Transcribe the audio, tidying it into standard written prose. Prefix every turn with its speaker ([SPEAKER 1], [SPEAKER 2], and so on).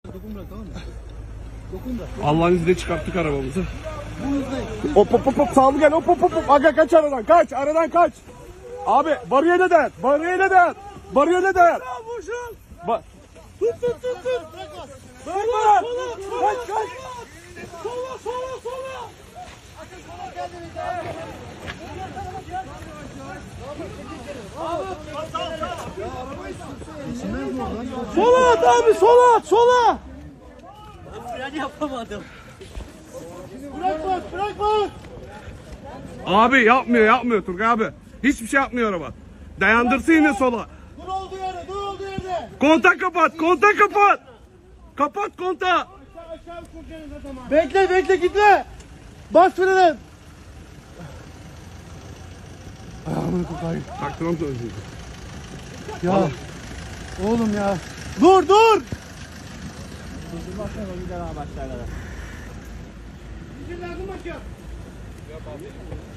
[SPEAKER 1] Allah'ın izniyle çıkarttık arabamızı. Hop hop hop hop, sağlı gel, hop hop hop. Aga kaç aradan, kaç aradan kaç. Abi bariyere değer, bariyere değer, bariyere değer. Tut. Sola, kaç. Sola. Sola at abi, sola.
[SPEAKER 2] Fren yapamadım.
[SPEAKER 3] Bırakma.
[SPEAKER 1] Abi yapmıyor Turgay abi. Hiçbir şey yapmıyor araba. Dayandırsın yine sola.
[SPEAKER 3] Dur olduğu yerde.
[SPEAKER 1] Kontak kapat. Kapat kontağı.
[SPEAKER 3] Bekle gitme. Bas frene. Ayağımını kurtarayım.
[SPEAKER 1] Taktırım da özür.
[SPEAKER 3] Ya. Oğlum ya. Dur.
[SPEAKER 2] Durdurmazsan o gider ha başlarlara.
[SPEAKER 3] Bir şey lazım başka.